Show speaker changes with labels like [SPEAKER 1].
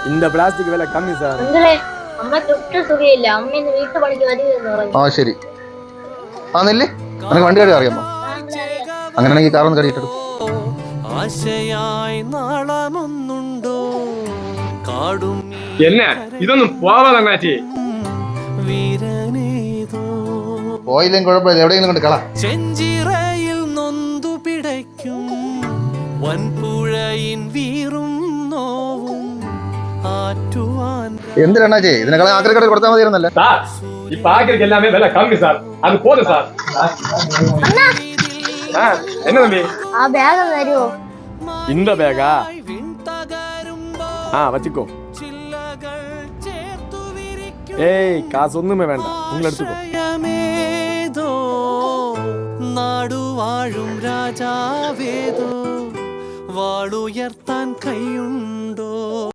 [SPEAKER 1] இந்த பிளாஸ்டிக் விலை கம்மி சார்.
[SPEAKER 2] അമ്മ തൊട്ട് സുഖയില്ല. അമ്മ ഇന്ന് വീട്ടുപണിക്ക് വരുമെന്ന് പറഞ്ഞു.
[SPEAKER 3] ആ ശരി. ആ നെല്ല് നിനക്ക് വണ്ടി കഴുകാൻ അറിയാമോ? അങ്ങനെയാണെങ്കിൽ കാറൊന്ന് കഴുകിയിട്ടെടു.
[SPEAKER 4] ആശയായി നാളമൊന്നുണ്ടോ കാടും
[SPEAKER 1] എന്നെ ഇതൊന്നും പോവാതെ
[SPEAKER 4] വീരനേതോ
[SPEAKER 3] പോയില്ലെങ്കിൽ കുഴപ്പമില്ല, എവിടെയെങ്കിലും കൊണ്ട് കളാ.
[SPEAKER 4] ചെഞ്ചിറയിൽ നൊന്തു പിടയ്ക്കും വൻപുഴയിൻ വീറും നോവും ആറ്റുവാൻ.
[SPEAKER 3] എന്തിനാ ഇതിനേക്കാളും ആക്രി കടയിൽ കൊടുത്താൽ മതിയായിരുന്നല്ലേ?
[SPEAKER 1] சார் இப்ப ஆக்கிருக்கு எல்லாமே விலை கம்மி சார், அது போதும் சார். என்ன தம்பி
[SPEAKER 2] ആ ബാഗ് തരുമോ?
[SPEAKER 1] இந்த பேகா வச்சுக்கோ. ஏய் காசு ஒண்ணுமே வேண்டாம், உங்களை எடுத்துக்கோ.
[SPEAKER 4] നാടുവാഴും രാജാവേദോ വാളുയർത്താൻ കൈയുണ്ടോ?